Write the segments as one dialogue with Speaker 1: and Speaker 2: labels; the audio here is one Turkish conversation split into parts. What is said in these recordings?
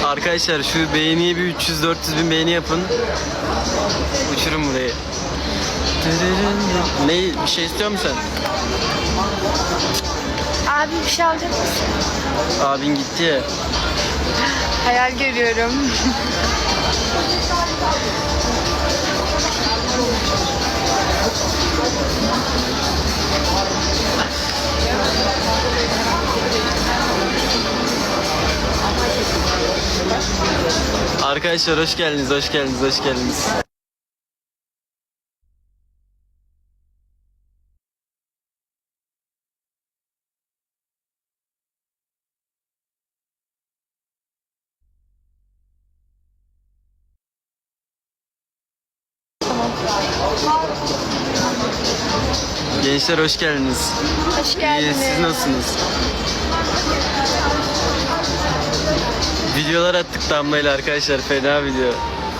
Speaker 1: Arkadaşlar şu beğeniye bir 300-400 bin beğeni yapın. Uçurun burayı. Ne, bir şey istiyor musun sen?
Speaker 2: Abi bir şey alacak mısın?
Speaker 1: Abin gitti ya.
Speaker 2: Hayal görüyorum.
Speaker 1: Arkadaşlar hoş geldiniz, hoş geldiniz, hoş geldiniz. Gençler hoş geldiniz.
Speaker 2: Hoş
Speaker 1: İyi,
Speaker 2: geldiniz.
Speaker 1: siz nasılsınız? Videolar attık Damla'yla arkadaşlar, fena video.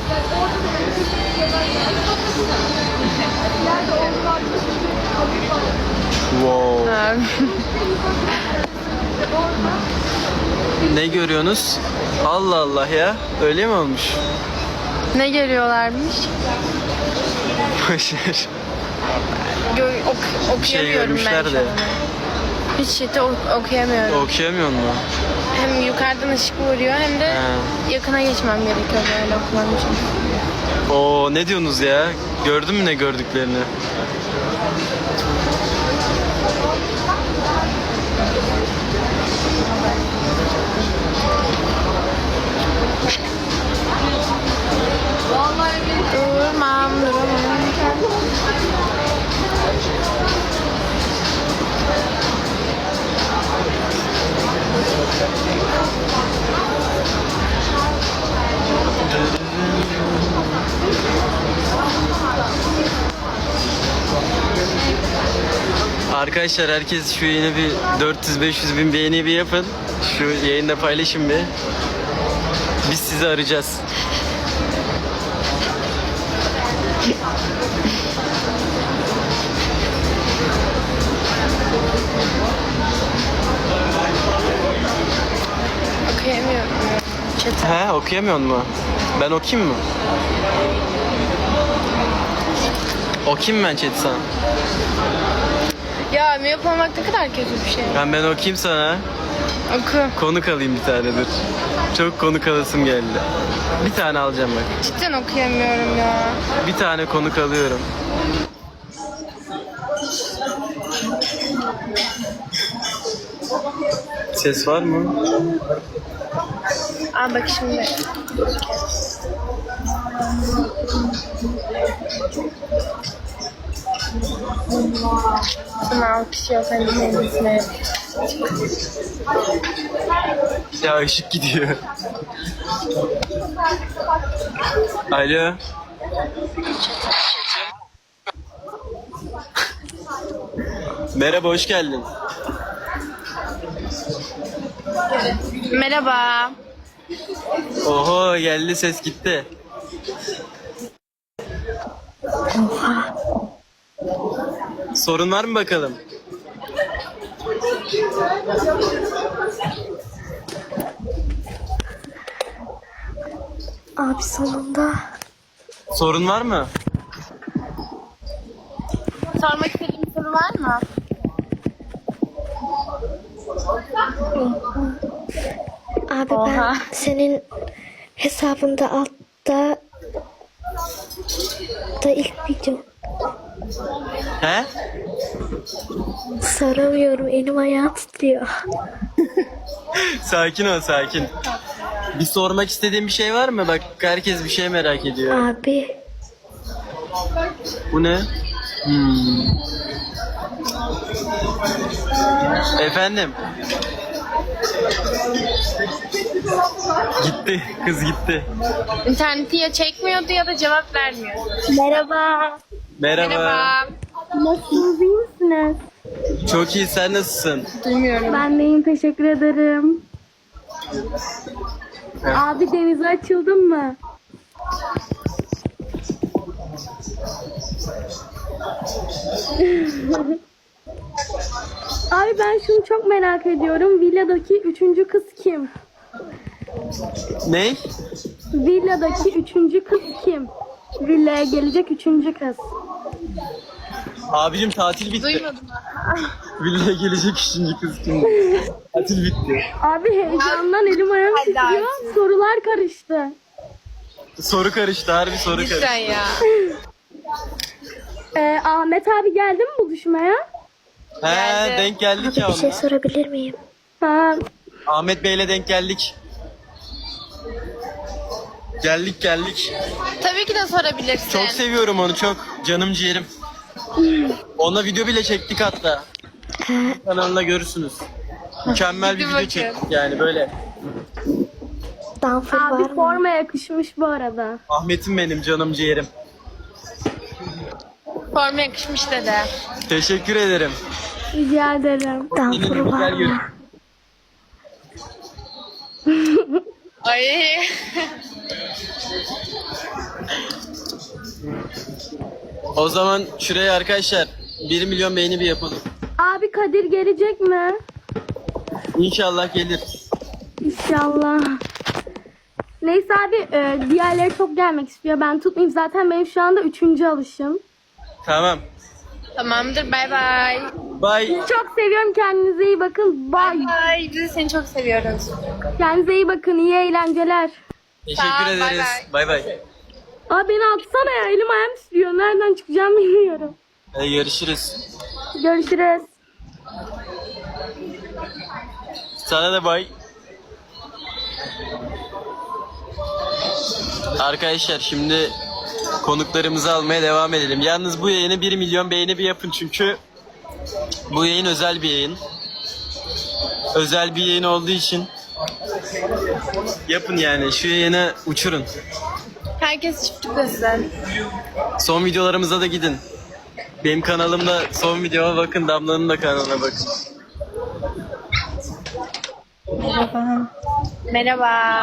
Speaker 1: Wow. Ne görüyorsunuz? Allah Allah ya. Öyle mi olmuş?
Speaker 2: Ne görüyorlarmış?
Speaker 1: Boşver.
Speaker 2: Okuyamıyorum
Speaker 1: şey
Speaker 2: ben
Speaker 1: görmüşler
Speaker 2: şu
Speaker 1: de.
Speaker 2: an. Hiç chat'i okuyamıyorum.
Speaker 1: Okuyamıyor mu?
Speaker 2: Hem yukarıdan ışık vuruyor hem de yakına geçmem gerekiyor böyle okumam için.
Speaker 1: Oo, ne diyorsunuz ya? Gördün mü ne gördüklerini?
Speaker 2: Duramam.
Speaker 1: Arkadaşlar herkes şu yeni bir 400-500 bin beğeni bir yapın. Şu yayında paylaşın bir. Biz sizi arayacağız.
Speaker 2: Okuyamıyorum chat'i.
Speaker 1: He, okuyamıyor mu? Ben okuyayım mı? Okuyayım mı ben chat'i sana?
Speaker 2: Ya miyop olmak ne kadar kötü bir şey.
Speaker 1: Ben okuyayım sana.
Speaker 2: Oku.
Speaker 1: Konuk alayım bir tane, dur. Çok konuk alasım geldi. Bir tane alacağım bak.
Speaker 2: Cidden okuyamıyorum ya.
Speaker 1: Bir tane konuk alıyorum. Ses var mı?
Speaker 2: Aa bak şimdi. Sana alkış yok hani kendisine.
Speaker 1: Ya ışık gidiyor. Alo. Merhaba, hoş geldin.
Speaker 2: Merhaba.
Speaker 1: Oho, geldi, ses gitti. Sorun var mı bakalım?
Speaker 3: Abi sonunda.
Speaker 1: Sorun var mı?
Speaker 2: Sormak istediğin bir soru var mı?
Speaker 3: Abi
Speaker 2: Oha.
Speaker 3: ben senin hesabında altta da ilk video
Speaker 1: He?
Speaker 3: saramıyorum, elim ayağım titriyor.
Speaker 1: Sakin ol, sakin. Bir sormak istediğin bir şey var mı? Bak herkes bir şey merak ediyor.
Speaker 3: Abi
Speaker 1: Bu ne? Efendim? Gitti, kız gitti.
Speaker 2: İnterneti ya çekmiyordu ya da cevap vermiyordu.
Speaker 3: merhaba.
Speaker 1: Merhaba.
Speaker 2: Merhaba.
Speaker 3: Nasılsınız, iyi misiniz?
Speaker 1: Çok iyi, sen nasılsın?
Speaker 2: Duymuyorum.
Speaker 3: Ben de iyiyim, teşekkür ederim. Abi denize açıldın mı? Abi ben şunu çok merak ediyorum. Villadaki üçüncü kız kim?
Speaker 1: Ne?
Speaker 3: Villadaki üçüncü kız kim? Villaya gelecek üçüncü kız.
Speaker 1: Abicim tatil bitti.
Speaker 2: Duymadım.
Speaker 1: Villaya gelecek 3. kız kim? Tatil bitti.
Speaker 3: Abi heyecandan elim ayağım
Speaker 2: Hadi
Speaker 3: titriyor.
Speaker 2: artık.
Speaker 3: Sorular karıştı.
Speaker 1: Soru karıştı, harbi soru karıştı.
Speaker 2: Lütfen ya.
Speaker 3: Ahmet abi geldi mi buluşmaya?
Speaker 1: He,
Speaker 2: Geldi.
Speaker 1: denk geldik ya onunla.
Speaker 3: sorabilir miyim? Ha,
Speaker 1: Ahmet Bey'le denk geldik. Geldik.
Speaker 2: Tabii ki de sorabilirsin.
Speaker 1: Çok seviyorum onu, çok. Canım ciğerim. Onunla video bile çektik hatta. Kanalında görürsünüz. Mükemmel bir
Speaker 2: Hadi
Speaker 1: video
Speaker 2: bakayım.
Speaker 1: çektik yani böyle.
Speaker 3: abi forma yakışmış bu arada.
Speaker 1: Ahmet'im benim, canım ciğerim.
Speaker 2: Forma yakışmış dede.
Speaker 1: Teşekkür ederim.
Speaker 3: Rica ederim.
Speaker 1: Yine de güzel gör.
Speaker 2: Ay.
Speaker 1: O zaman şuraya arkadaşlar 1 milyon beğeni bir yapalım.
Speaker 3: Abi Kadir gelecek mi?
Speaker 1: İnşallah gelir.
Speaker 3: İnşallah. Neyse abi diğerleri çok gelmek istiyor. Ben tutmayayım. Zaten benim şu anda 3. alışım.
Speaker 1: Tamam.
Speaker 2: Tamamdır. Bay bay.
Speaker 1: Bye.
Speaker 3: Çok seviyorum. Kendinize iyi bakın. Bye.
Speaker 2: Bay. Biz de seni çok seviyoruz.
Speaker 3: Kendinize iyi bakın. İyi eğlenceler.
Speaker 1: Teşekkür
Speaker 2: Tamam, bay
Speaker 1: ederiz. Bay bay.
Speaker 3: Abi beni atsana ya. Elim ayağım titriyor. Nereden çıkacağım bilmiyorum.
Speaker 1: Hadi görüşürüz.
Speaker 3: Görüşürüz.
Speaker 1: Sana da bay. Arkadaşlar şimdi konuklarımızı almaya devam edelim. Yalnız bu yayını 1 milyon beğeni bir yapın çünkü bu yayın özel bir yayın. Özel bir yayın olduğu için yapın yani, şu yayını uçurun.
Speaker 2: Herkes çift tıklasın.
Speaker 1: Son videolarımıza da gidin. Benim kanalımda son videoma bakın, Damla'nın da kanalına bakın.
Speaker 4: Merhaba.
Speaker 2: Merhaba.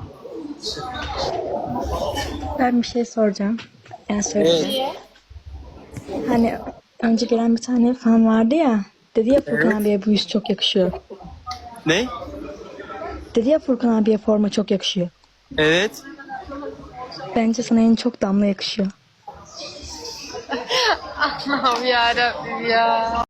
Speaker 4: Ben bir şey soracağım. Yani söyleyeceğim. Hani önce gelen bir tane fan vardı ya. Dedi ya Furkan abiye bu yüz çok yakışıyor.
Speaker 1: Ne?
Speaker 4: Dedi ya Furkan abiye forma çok yakışıyor.
Speaker 1: Evet.
Speaker 4: Bence sana en çok Damla yakışıyor.
Speaker 2: Allah'ım yarabbim ya.